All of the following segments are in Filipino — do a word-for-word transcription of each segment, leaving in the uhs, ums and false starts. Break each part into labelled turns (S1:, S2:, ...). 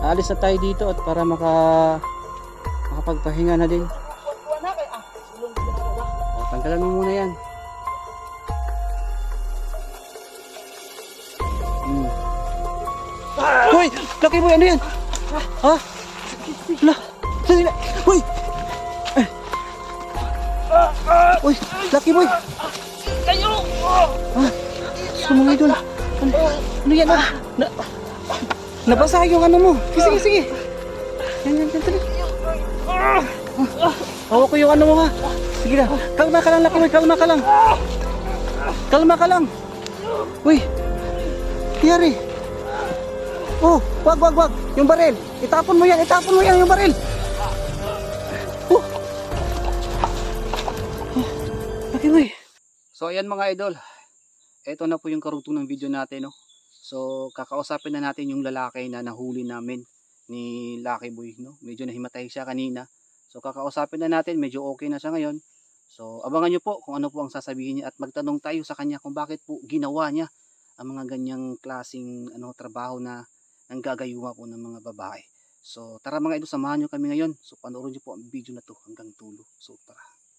S1: aalis na tayo dito at para maka makapagpahinga na din. O, tanggalan mo muna yan. Hmm. Hoy! Lucky boy, ano yan? Ha? La! Sali na! Hoy! Eh. Hoy! Lucky boy!
S2: Kayo!
S1: Ah, so mga idol, ano, ano yan ah? Na, nabasa yung ano mo. Sige, sige, sige. Yan, yan, yan, tali. Ah, hawak ko yung ano mo ha. Sige na, kalma ka lang, Lucky boy, kalma ka lang. Kalma ka lang. Uy, Yari. Oh, wag, wag, wag. Yung baril. Itapon mo yan, itapon mo yan yung baril. Oh. Lucky boy. So ayan mga idol, ito na po yung karugtong ng video natin, no? So kakausapin na natin yung lalaki na nahuli namin ni Lucky Boy, no? Medyo nahimatay siya kanina. So kakausapin na natin, medyo okay na siya ngayon. So abangan nyo po kung ano po ang sasabihin niya at magtanong tayo sa kanya kung bakit po ginawa niya ang mga ganyang klaseng ano, trabaho na nanggagayuma po ng mga babae. So tara mga idol, samahan nyo kami ngayon. So panoorin nyo po ang video na to hanggang tulo. So tara.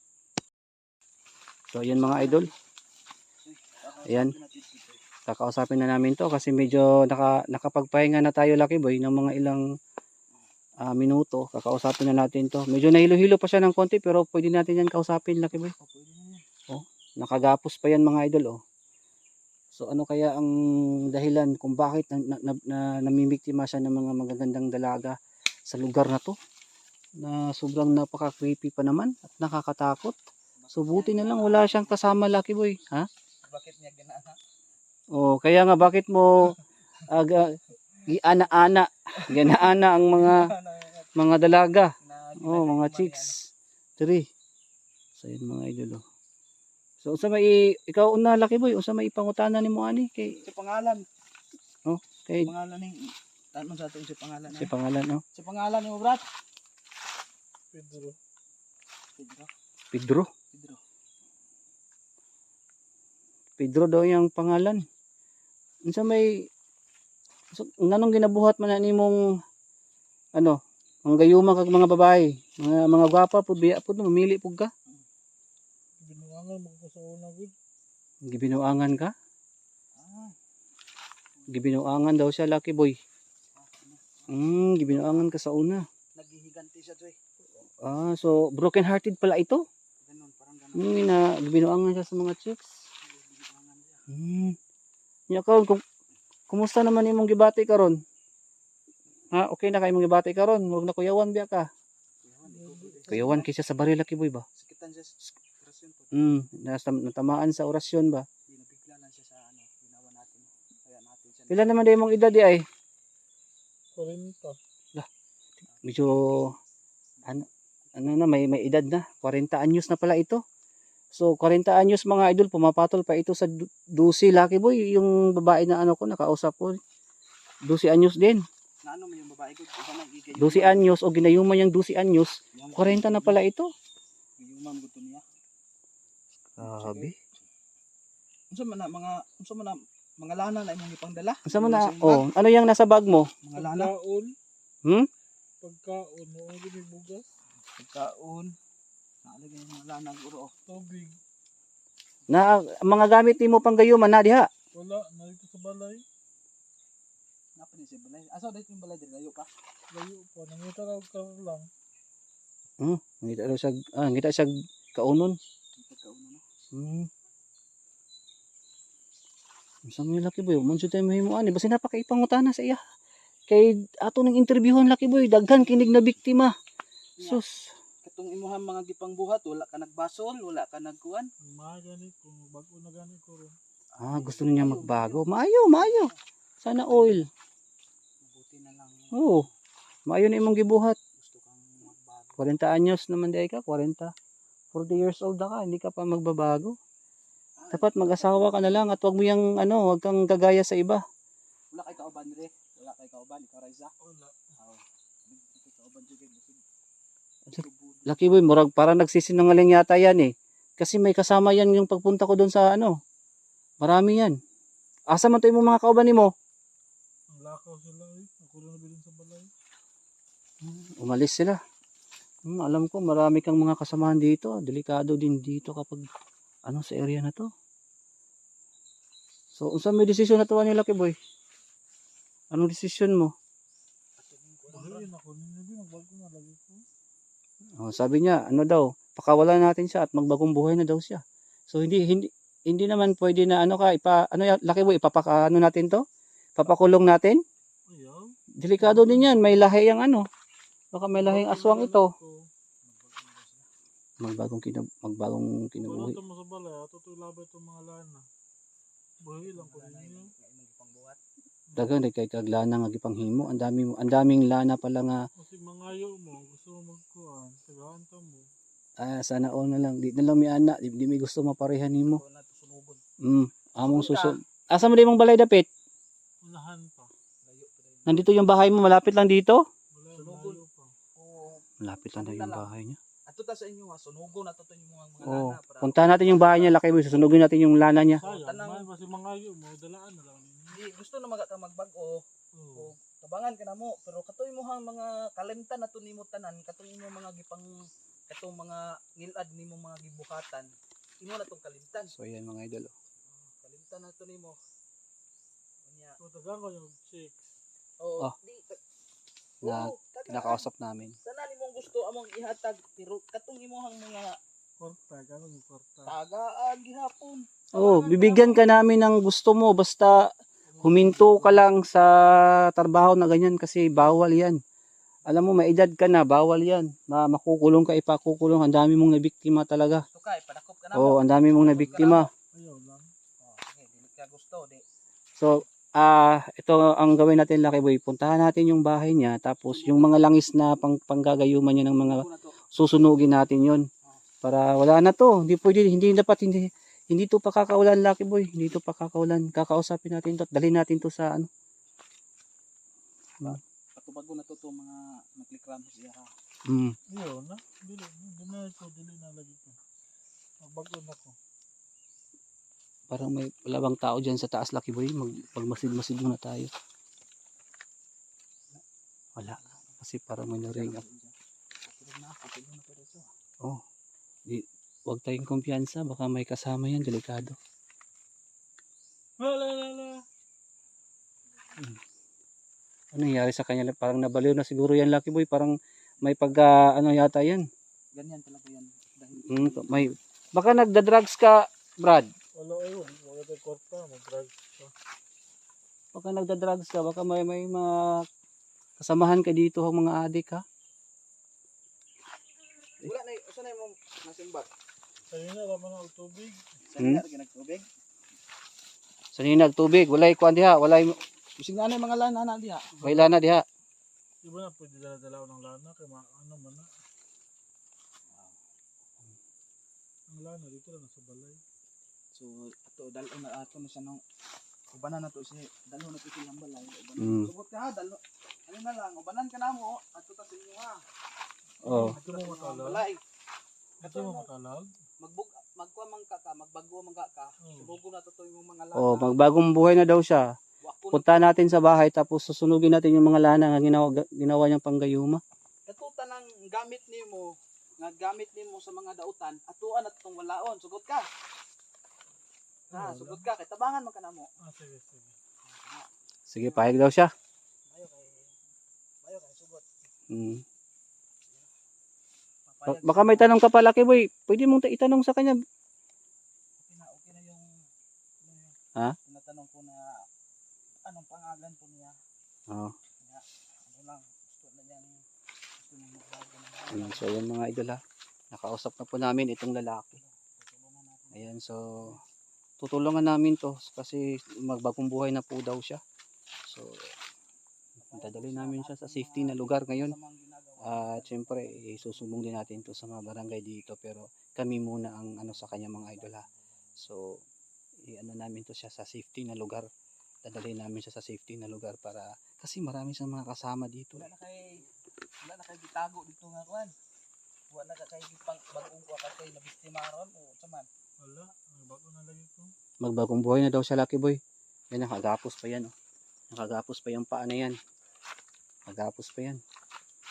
S1: So ayan mga idol. Ayan. Kakausapin na namin to kasi medyo naka, nakapagpahinga na tayo Lucky Boy ng mga ilang uh, minuto. Kakausapin na natin to. Medyo nahilo-hilo pa siya ng konti pero pwede natin yan kausapin Lucky Boy. Oh, nakagapos pa yan mga idol oh. So ano kaya ang dahilan kung bakit na, na, na, namimiktima siya ng mga magagandang dalaga sa lugar na to? Na sobrang napaka-creepy pa naman at nakakatakot. So buti na lang wala siyang kasama Lucky Boy, ha?
S2: Bakit niya ginaana?
S1: Oh, kaya nga bakit mo aga giana-ana, ginaana ang mga mga dalaga. Oh, mga chicks. Tiri. So yun mga idol. Oh. So unsa may ikaw una Lucky Boy, unsa may ipangutana nimo ani kay
S2: Si pangalan.
S1: Oh, kay
S2: Pangalan ning tanong sa atin si pangalan.
S1: si pangalan no?
S2: Si pangalan ni mo brat? Pedro. Pedro.
S1: Pedro.
S2: Pedro.
S1: Pedro daw yung pangalan. Unsa may so, nganong ginabuhat man na nimong ano, mga gayuma kag mga babae, mga mga gwapa pud biya pud mamili pud ka.
S2: Binuangan mo ko sa una gud.
S1: Gibinuangan ka?
S2: Ah.
S1: Gibinuangan daw siya Lucky Boy. Hmm, gibinuangan ka sa una.
S2: Naghihiganti siya joy.
S1: Ah, so broken hearted pala ito.
S2: Ganun, parang ganun.
S1: Hmm, na gibinuangan siya sa mga chicks.
S2: Binuangan siya.
S1: Hmm. Nya karon kum kumusta naman imong gibati karon? Ha, okay na kay imong gibati karon, wag na kuyawan biya ka. Kuyawan kay siya sa baril Lucky Boy ba?
S2: Sakitan siya sa orasyon po.
S1: Hmm, nasa natamaan sa orasyon ba?
S2: Binabigla lang siya sa ano, ginawa natin. Kaya natin siya.
S1: Pila naman day imong edad di ay?
S2: forty.
S1: Lah, medyo ano ano na may may edad na, forty anyos na pala ito. So forty anyos mga idol, pumapatol pa ito sa twelve Lucky Boy, yung babae na ano ko nakausap ko. twelve anyos din.
S2: Na ano mo yung babae ko? Isa nang igay.
S1: twelve anyos o ginayuman yung twelve anyos, forty na pala ito.
S2: Gayuman gusto niya.
S1: Grabe.
S2: Unsa man na mga unsa man na mga lana na imong ipangdala?
S1: Unsa man na? Oh, ano yung nasa bag mo?
S2: Mga lana.
S3: Pagkaon,
S1: Hmm?
S3: pagkaon, mo ang gini bugas,
S2: Pagkaon. Naalagay yung mga lana guro.
S3: tubig,
S1: Na mga gamit nimo pang gayuman na diha.
S3: wala, narito sa balay,
S2: Napa ni si balay. Asa dito yung balay dito layo pa?
S3: layo pa, nangita raw ka lang,
S1: Hmm, ngita daw siya, ah, ngita siya kaunon.
S2: Pagkaon no.
S1: Hmm. Unsa may Lucky Boy, man jud tayo mahimo ani, basta napakaipangutana sa iya. Kay ato ning interviewon Lucky Boy, daghan kinig na biktima. Sus.
S2: Katong imuhang mga gipangbuhat, wala ka nagbasol, wala ka nagkuan.
S3: mga gani ko, bago na gani ko ron,
S1: Ah, gusto niya magbago. Maayo, maayo. Sana oil.
S2: Mabuti na lang.
S1: Oo. Maayo na imong gibuhat.
S2: Gusto kang magbago.
S1: forty anyos naman di ka, forty. forty years old na ka, hindi ka pa magbabago. Dapat mag-asawa ka na lang at wag mo yang ano, wag kang gagaya sa iba.
S2: Wala kay kauban dire. Wala kay kauban ikaw Raisa.
S3: wala,
S2: Oh. Kay kauban jud kay busog.
S1: Lucky Boy, murag parang nagsisinungaling yata yan eh. Kasi may kasama yan yung pagpunta ko doon sa ano. Marami yan. Asa man to yung mga kauban nimo?
S3: ang lakaw sila eh, ako rin nabilin sa balay,
S1: Umalis sila. Hmm, alam ko marami kang mga kasamahan dito. Delikado din dito kapag ano sa area na to. So, unsa may desisyon na tuwa ni Lucky Boy? Anong desisyon mo?
S3: Bahayin ako ninyo din. Magbago na lagi ko.
S1: Oh, sabi niya, ano daw, pakawalan natin siya at magbagong buhay na daw siya. So hindi hindi hindi naman pwede na ano ka ipa ano ya, Lucky Boy, ipapaka ano natin to? Papakulong natin?
S3: Ayaw.
S1: Delikado din 'yan, may lahi yang ano. Baka may lahing aswang ito. Magbagong kinab magbagong
S3: Wala
S1: kinabuhi.
S3: ito mo sa balay. Ato ito ilabay itong mga lana. Bahayin lang ko ninyo.
S1: Dagan day kay kaglana nga gipanghimo. Ang dami ang daming lana pala nga
S3: Kasi mangayo mo. Gusto mo magkuhan. Tagahan ta mo.
S1: ah, sana all na lang. Di na lang mi ana, di, di mi gusto maparehan nimo. Mm, among suso. Asa mo di mong balay dapit?
S3: Unahan pa.
S1: Nandito yung bahay mo, malapit lang dito?
S3: Wala, malayo pa.
S4: Oo.
S1: Malapit lang daw yung bahay niya.
S4: Ato ta sa inyo ha, sunugo na to yung mga mga
S1: Oo.
S4: lana para.
S1: Puntahan natin yung bahay niya, Lucky Boy. Susunugin natin yung lana niya.
S3: Sayang.
S4: tanang-
S3: Mahal kasi mangayo mo. Dalaan na lang ninyo.
S4: Di gusto na maga ka magbago
S3: Oo.
S4: o tabangan ka na mo pero katoy mo hang mga kalimtan na to nimo tanan katoy mo mga gipang katong mga ngilad nimo mga gibuhatan. Imo na tong kalimtan.
S1: So yan mga idol. oh.
S4: Kalimtan na to nimo. Unya.
S3: So, tagaan ko yung chicks.
S4: Oo.
S1: Oh.
S4: Di.
S1: Na-
S4: Oo, tagaan.
S1: Kinakausap namin.
S4: Sana nimong gusto among ihatag pero katong imong mga
S3: Korta. Gano'n yung korta.
S4: tagaan gihapon.
S1: Oh, bibigyan ka namin ng gusto mo. Basta huminto ka lang sa trabaho na ganyan kasi bawal yan. Alam mo, may edad ka na, bawal yan. Ma makukulong ka, ipakukulong. Ang dami mong nabiktima talaga.
S4: Gusto ka ipadakop ka na
S1: Oo, oh,
S4: mo.
S1: ang dami mong nabiktima.
S3: Ayaw lang.
S4: Oh, okay, dili ka gusto di.
S1: So, ah, ito ang gawin natin, Lucky Boy. Puntahan natin yung bahay niya, tapos yung mga langis na pang panggagayuman niya ng mga
S4: Sunugo na to.
S1: susunugin natin yon para wala na to. Hindi pwede, hindi dapat, hindi, hindi to pakakaulan, Lucky Boy. Hindi to pakakaulan. Kakausapin natin to, dalhin natin to sa ano.
S4: Patubago na to to mga naklikram siya ha.
S1: Mm.
S3: Ayaw na. Dili. Dili na ko. Dili na lagi ko. Magbago na ko.
S1: Parang may wala bang tao dyan sa taas, Lucky Boy. Mag, pagmasid-masid muna tayo. Wala. Kasi parang may naring.
S4: Patulog na, patulog na to dito.
S1: Oh, di, huwag tayong kumpiyansa. Baka may kasama yan, delikado.
S3: Wala, wala, wala.
S1: Ano nangyari sa kanya? Parang nabaliw na siguro yan, Lucky Boy. Parang may pag, ah, ano yata yan.
S4: Ganyan talaga yan. Dahil
S1: Mm, may, baka nagda-drugs ka, Brad.
S3: Wala, ayun. Wala tayo korta. Mag-drugs pa.
S1: Baka nagda-drugs ka, baka may may mga kasamahan ka dito ang mga adik ha.
S4: wala na, usa na imong nasimbat.
S3: Sa'yo na, laman na ang tubig.
S4: Sa
S1: Hmm?
S4: hmm? lagi nagtubig.
S1: Sa ninag tubig, walay kuan diha, walay
S4: Bisig na ano yung mga lana na diha.
S1: may lana diha.
S3: Di ba na pwede dala-dala ng lana? Kaya ma- ano man na. Ang lana dito lang sa balay.
S4: So ato dalo na ato na siya nang ubanan na to si dalo na to silang balay. Ubanan.
S1: Mm.
S4: Subot ka ha, dalo. Ano na lang, ubanan ka na mo. Ato ta sa inyo ha.
S1: Oh.
S3: Ito mo matalag.
S4: Balay.
S3: Ito mo matalag.
S4: Magbug magkuha man ka ka, magbago man ka ka.
S3: Oh.
S4: Subugo na to to yung mga lana.
S1: Oh, magbagong buhay na daw siya.
S4: Wako na
S1: Punta natin sa bahay tapos susunugin natin yung mga lana nga ginawa ginawa niyang panggayuma.
S4: katuta ng gamit nimo nga gamit nimo sa mga dautan atuan at tong walaon sugot ka ha
S3: Wala.
S4: sugot ka kay tabangan man ka namo
S3: Ah, sige, sige.
S1: Sige, pahig daw siya.
S4: bayo kay bayo kay sugot
S1: Mm. Ba-
S4: papayag
S1: Baka may tanong ka pa, Lucky Boy. Pwede mong ta- itanong sa kanya.
S4: okay na okay na yung ano yun,
S1: Ha?
S4: tinatanong ko na anong pangalan po niya
S1: Oh.
S4: ano lang gusto na niyang gusto niyang magbago ng
S1: Ayan, so yan mga idol ha. Nakausap na po namin itong lalaki.
S4: tutulungan natin
S1: Ayan, so tutulungan namin to kasi magbagong buhay na po daw siya. So dadalhin namin siya sa safety na lugar ngayon.
S4: sa mga ginagawa
S1: At syempre, isusumbong din natin to sa mga barangay dito pero kami muna ang ano sa kanya mga idol ha. So i-ano namin to siya sa safety na lugar. Dadalhin namin siya sa safety na lugar para kasi marami siyang mga kasama dito.
S4: wala na kay wala na kay gitago dito nga kwan wala na ka kay gipang bagong wa ka kay nabiktima ron o saman
S3: Wala. Magbago na lagi ko.
S1: Magbagong buhay na daw siya, Lucky Boy. Yan, nakagapos pa yan. Oh. Nakagapos pa yung paa na yan. Nakagapos pa yan.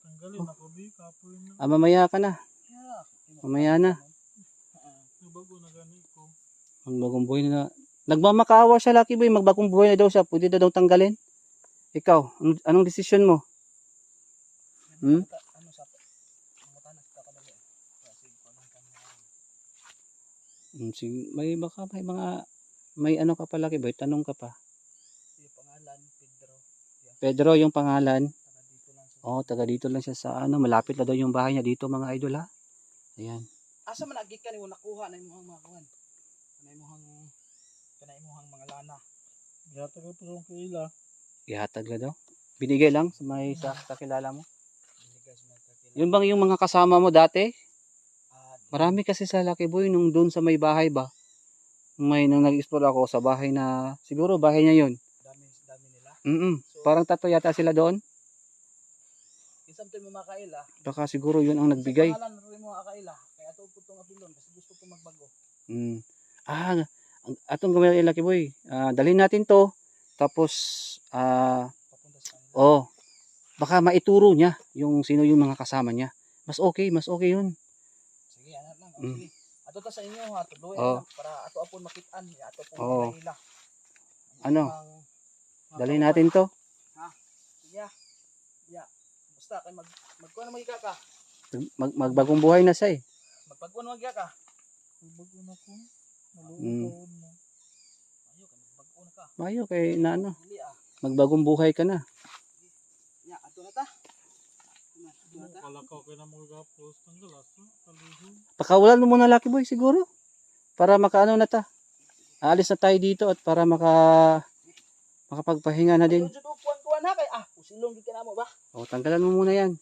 S3: Tanggalin ako, di. Kapoy na.
S1: Ah, mamaya ka na.
S4: Yeah.
S1: Mamaya na.
S3: Nabago na gani ko.
S1: Magbagong buhay na. Nagmamakaawa siya, Lucky Boy. Magbagong buhay na daw siya. Pwede na daw tanggalin. Ikaw, anong, anong desisyon mo? Hmm?
S4: Ano sa matanas ka kadali. Kasi ko lang kami.
S1: Hmm, sige, may baka may mga may ano ka pa, Lucky Boy, tanong ka pa.
S4: Yung pangalan Pedro.
S1: Pedro yung pangalan.
S4: Taga dito lang siya.
S1: Oh, taga dito lang siya sa ano, malapit na daw yung bahay niya dito, mga idol ha. Ayan.
S4: Asa man agi ka nimo nakuha na imong mga kuan. Kanay imong kanay imong mga lana.
S3: Yata ka pero ang kaila.
S1: Ihatag na daw. Binigay lang sa may sa, sa kilala mo.
S4: Binigay sa mga kakilala.
S1: Yun bang yung mga kasama mo dati?
S4: Ah, di-
S1: Marami kasi sa Lucky Boy nung doon sa may bahay ba. May nang nag-explore ako sa bahay na siguro bahay niya yun.
S4: dami dami nila.
S1: Mm.
S4: So,
S1: Parang tatlo yata sila doon.
S4: kinsa mo mga kaila.
S1: Baka siguro yun ang nagbigay.
S4: Sa pangalan ro mo kaila. Kaya ato po tong abilon kasi gusto ko magbago.
S1: Mm. Ah, ang atong gawin natin, Lucky Boy. Ah, dalhin natin to. Tapos ah
S4: Papunta sa kanila.
S1: oh, baka maituro niya yung sino yung mga kasama niya. Mas okay, mas okay yun.
S4: Sige, anak lang. Oh,
S1: Mm.
S4: sige. Ato ta sa inyo ha, tuloy
S1: Oh.
S4: na para ato apon makitaan, ya ato po
S1: Oh.
S4: mga kaila.
S1: Ano?
S4: Ang- mga
S1: Dalhin
S4: kauban.
S1: natin to.
S4: Yeah. Yeah. Basta kay mag magkuha na magiga ka.
S1: Mag, magbagong buhay na siya eh.
S4: Magpagkuha na magiga ka.
S3: Nabago na ko. Maluong
S1: Mm.
S3: taon mo.
S4: Ayo kay magpagkuha na ka.
S1: Mayo kay na ano,
S4: Dili ah.
S1: magbagong buhay ka na.
S4: Ya, ato na ta. Ato na ta.
S3: Kalakaw kayo na mga gapos. Tanggalas na. Kalihog.
S1: Pakawalan mo muna, Lucky Boy, siguro. Para makaano na ta. Aalis na tayo dito at para maka makapagpahinga na din.
S4: Ayun jud kuan kuan ha kay ah, usilong gid ka na mo ba?
S1: O, tanggalan mo muna yan.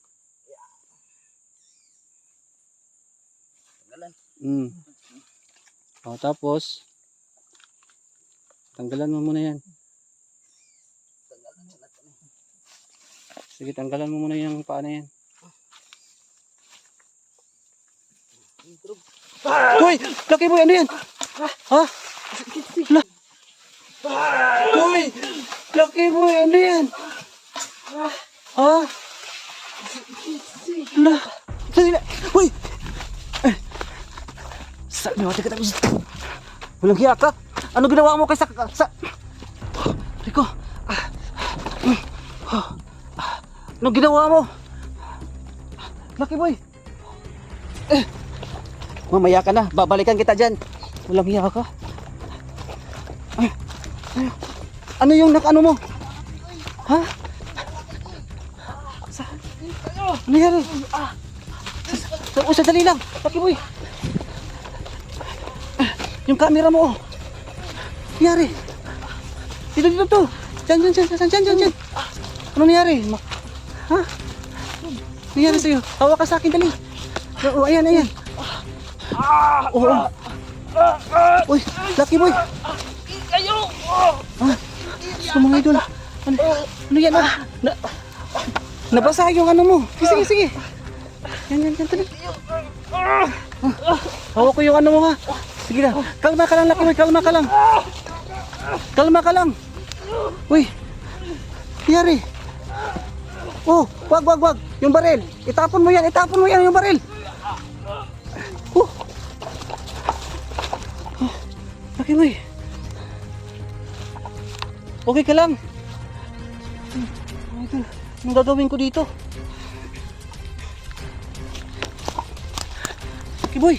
S4: Tanggalan.
S1: Mm. O, tapos, tanggalan mo muna yan.
S4: Tanggalan na to.
S1: Sige, tanggalan mo muna yung paa na yan.
S4: Intro.
S1: Hoy! Lucky Boy, ano yan? Ha? La Hoy! Lucky Boy, ano yan? Ha? La Sali na! Hoy! Eh. Saan niyo ate ka tapos? Walang hiya ka? Ano ginawa mo kay sa... sa... Rico! Ah. Mm. Ah. Ano ginawa mo? Lucky Boy! Eh! Mamaya ka na, babalikan kita dyan. Walang hiya ka. Ay, ay, ano yung nakano mo? Ha? Sa, ano nangyari? Ah, sa, sa, sandali lang. Lucky Boy. Ah, yung camera mo. Oh. Nangyari. Dito, dito, to. Dyan, dyan, dyan, dyan, dyan, dyan, dyan. Ano nangyari? Ma- ha? Ano nangyari sa'yo? Tawa ka sa akin, dali. Oh, ayan, ayan. Oo. Uy, Lucky Boy.
S4: Ayo.
S1: Ah, so mga idol. Ano, ano yan? Ah? Na, nabasa yung ano mo. Sige, sige. Yan, yan, yan. Tuloy. Ah, hawak ko yung ano mo ha. Sige na. Kalma ka lang, Lucky Boy. Kalma ka lang. Kalma ka lang. Uy. Nangyari. Oh, wag, wag, wag. Yung baril. Itapon mo yan. Itapon mo yan yung baril. Oh. Oh. Lucky Boy. Okay ka lang. Anong gagawin ko dito? Lucky Boy.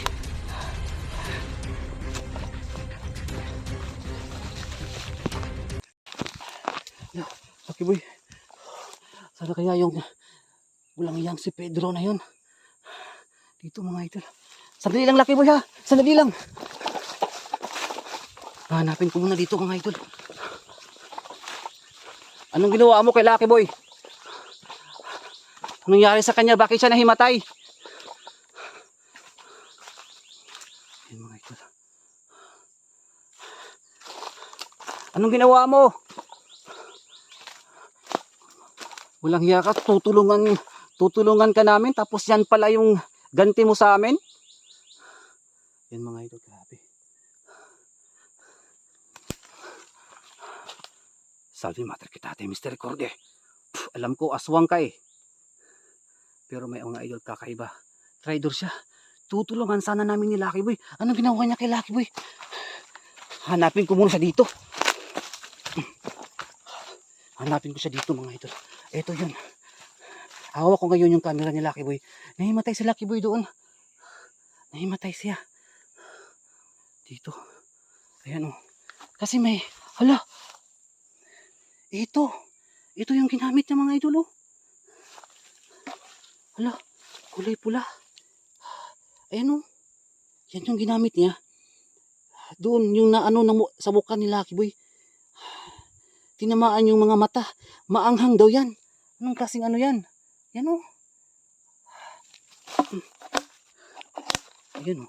S1: Lucky Boy. Sana kaya yung walang iyang si Pedro na yun. Dito mga idol. Sandali lang, Lucky Boy ha. Sandali lang. Hanapin ko muna dito mga idol. Anong ginawa mo kay Lucky Boy? Anong nangyari sa kanya? Bakit siya nahimatay? Ayun mga idol. Anong ginawa mo? Walang hiya ka, tutulungan, tutulungan ka namin, tapos yan pala yung ganti mo sa amin. Yan mga idol, grabe. Salve mater kita, Mister Corde. Puh, alam ko, aswang ka eh. Pero may mga idol kakaiba. Traitor siya. Tutulungan sana namin ni Lucky Boy. Anong ginawa niya kay Lucky Boy? Hanapin ko muna siya dito. Hanapin ko siya dito mga idol. Ito yun. Hawak ko ngayon yung camera ni Lucky Boy. Nahimatay si Lucky Boy doon. Nahimatay siya. Dito. Ayan o. Kasi may, hala. Ito. Ito yung ginamit niya mga idol o. Hala. Kulay pula. Ayan o. Yan yung ginamit niya. Doon yung naano na mu- sa mukha ni Lucky Boy. Tinamaan yung mga mata. Maanghang daw yan. Anong klaseng ano yan? Yan o. Ayan o.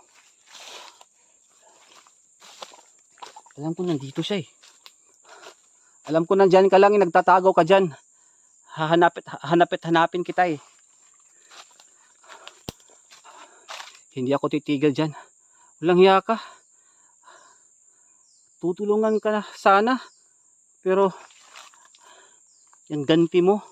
S1: Alam ko nandito siya eh. Alam ko nandyan ka lang eh. Nagtatago ka dyan. Hahanapit, hanapit hanapin kita eh. Hindi ako titigil dyan. Walang hiya ka. Tutulungan ka na sana. Pero yan ganti mo.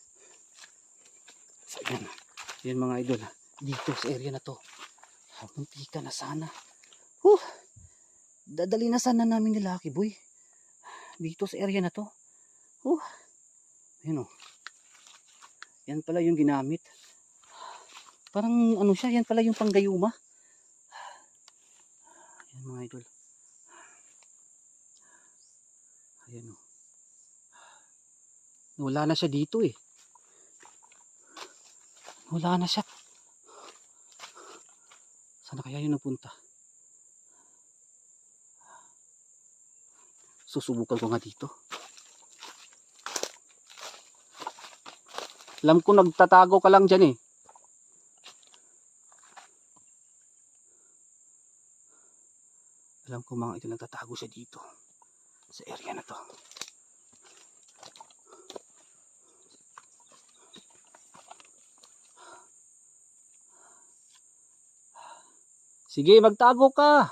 S1: So yan. Yan mga idol. Dito sa area na to. Munti ka na sana. Huh. Dadali na sana namin ni Lucky Boy. Dito sa area na to. Huh. Yan o. Yan pala yung ginamit. Parang ano siya. Yan pala yung panggayuma. Yan mga idol. Ayan o. Wala na siya dito eh. Wala na siya. Sana kaya yun napunta? Susubukan ko nga dito. Alam ko nagtatago ka lang dyan eh. Alam ko mga ito nagtatago siya dito. Sa area na to. Sige, magtago ka.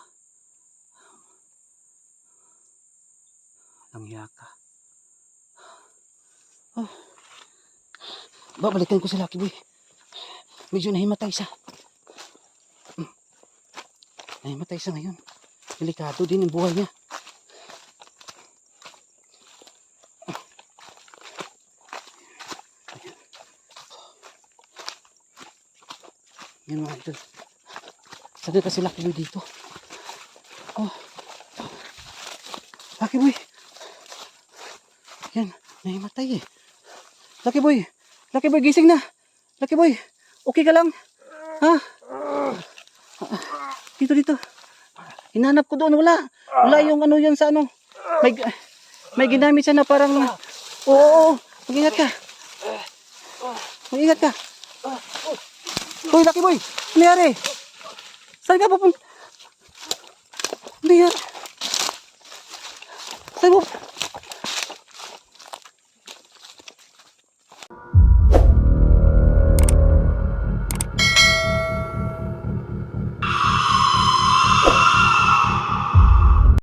S1: Langya ka. Oh. Babalikan ko si Lucky Boy. Medyo nahimatay siya. Hmm. Nahimatay siya ngayon. Delikado din ang buhay niya. Yan mga idol. Sabi kasi Lucky Boy dito. Oh. Lucky Boy. Yan. Nahimatay eh. Lucky Boy. Lucky Boy gising na. Lucky Boy. Okay ka lang? Ha? Dito dito. Hinanap ko doon. Wala. Wala yung ano yun sa ano. May, may ginamit siya na parang. Oo. oo. Mag-ingat ka. Mag-ingat ka. Hoy Lucky Boy. Ano nangyari? Saan ka pupunta? Ano yan? Saan mo?